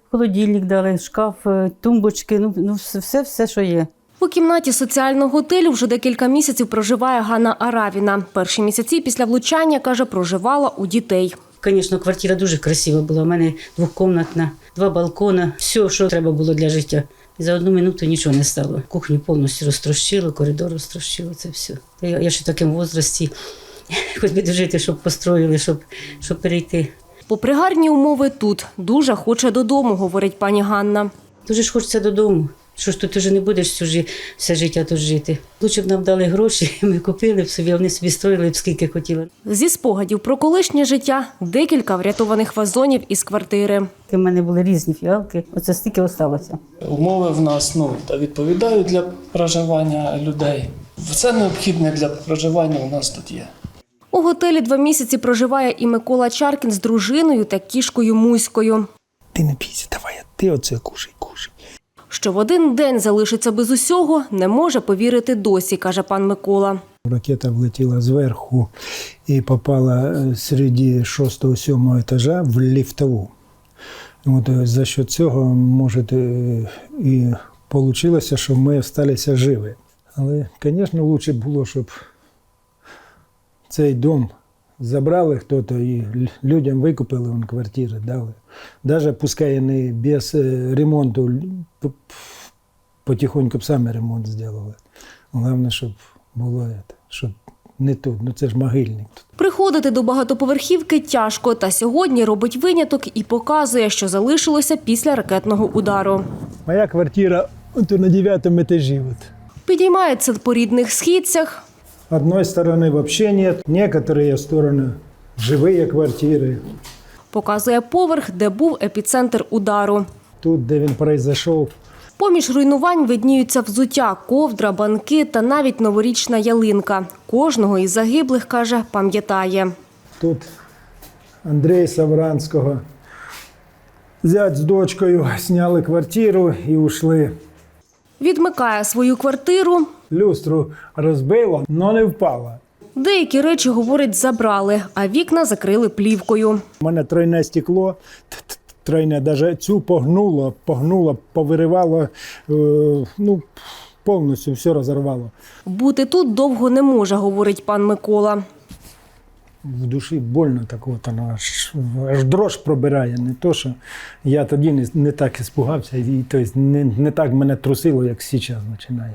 Холодильник дали, шкаф, тумбочки, все, що є. У кімнаті соціального готелю вже декілька місяців проживає Ганна Аравіна. Перші місяці після влучання, каже, проживала у дітей. Звісно, квартира дуже красива була. У мене двокімнатна, 2 балкони, все, що треба було для життя. І за 1 минуту нічого не стало. Кухню повністю розтрощило, коридор розтрощило, це все. Я ще в такому віці, хоч би дожити, щоб построїли, щоб перейти. Попри гарні умови тут, дуже хоче додому, говорить пані Ганна. Дуже ж хочеться додому. Що ж тут вже не будеш все життя тут жити. Лучше б нам дали гроші, ми купили б собі, вони собі строїли б скільки хотіли. Зі спогадів про колишнє життя – декілька врятованих вазонів із квартири. У мене були різні фіалки, оце стільки залишилося. Умови в нас відповідають для проживання людей. Все необхідне для проживання у нас тут є. У готелі 2 місяці проживає і Микола Чаркін з дружиною та кішкою Муською. Ти не бійся, давай, ти оце кушай. Що в один день залишиться без усього, не може повірити досі, каже пан Микола. Ракета влетіла зверху і попала серед 6-7 етажа в ліфтову. За що цього, може, і вийшло, що ми залишилися живі. Але, звісно, краще було, щоб цей дом забрали хтось і людям викупили квартири, дали. Навіть пускай не без ремонту, потихоньку б самі ремонт зробили. Головне, щоб було це, щоб не тут, це ж могильник. Приходити до багатоповерхівки тяжко, та сьогодні робить виняток і показує, що залишилося після ракетного удару. Моя квартира на 9-му етажі. Підіймається по рідних східцях. Одной стороны вообще нет, некоторые стороны живые квартиры. Показує поверх, де був епіцентр удару. Тут, де він произошов. Поміж руйнувань видніються взуття, ковдра, банки та навіть новорічна ялинка. Кожного із загиблих, каже, пам'ятає. Тут Андрія Савранського. Зять з дочкою зняли квартиру і ушли. Відмикає свою квартиру. Люстру розбило, але не впало. Деякі речі, говорить, забрали, а вікна закрили плівкою. У мене тройне стекло, навіть цю погнуло, повиривало, повністю все розірвало. Бути тут довго не може, говорить пан Микола. В душі больно так, аж дрож пробирає. Не то, що я тоді не так іспугався, і не так мене трусило, як зараз починає.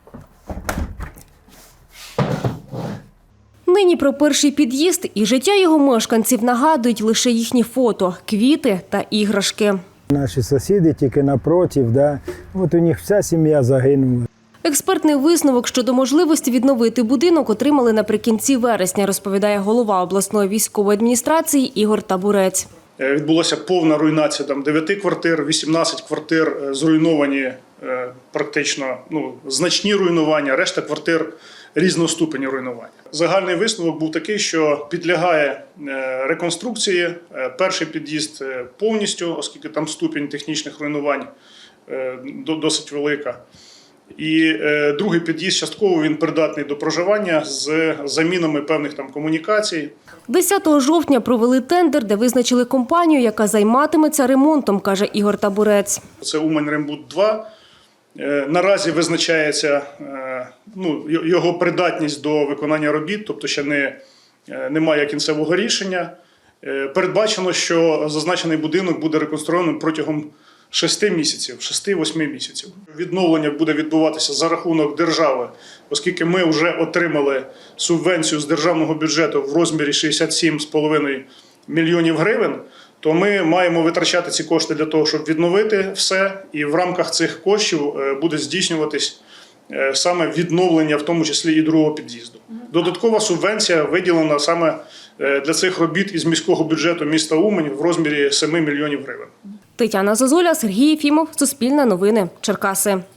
Нині про перший під'їзд і життя його мешканців нагадують лише їхні фото, квіти та іграшки. Наші сусіди тільки напротив, у них вся сім'я загинула. Експертний висновок щодо можливості відновити будинок отримали наприкінці вересня, розповідає голова обласної військової адміністрації Ігор Табурець. Відбулася повна руйнація 9 квартир, 18 квартир зруйновані практично, значні руйнування, решта квартир різного ступеню руйнування. Загальний висновок був такий, що підлягає реконструкції. Перший під'їзд повністю, оскільки там ступінь технічних руйнувань досить велика. І другий під'їзд частково він придатний до проживання з замінами певних комунікацій. 10 жовтня провели тендер, де визначили компанію, яка займатиметься ремонтом, каже Ігор Табурець. Це Умань-Рембуд-2. Наразі визначається його придатність до виконання робіт, тобто ще немає кінцевого рішення. Передбачено, що зазначений будинок буде реконструйований протягом 6-8 місяців. Відновлення буде відбуватися за рахунок держави, оскільки ми вже отримали субвенцію з державного бюджету в розмірі 67,5 мільйонів гривень, то ми маємо витрачати ці кошти для того, щоб відновити все, і в рамках цих коштів буде здійснюватись саме відновлення, в тому числі і другого під'їзду. Додаткова субвенція виділена саме для цих робіт із міського бюджету міста Умань в розмірі 7 мільйонів гривень. Тетяна Зозуля, Сергій Єфімов, Суспільне новини, Черкаси.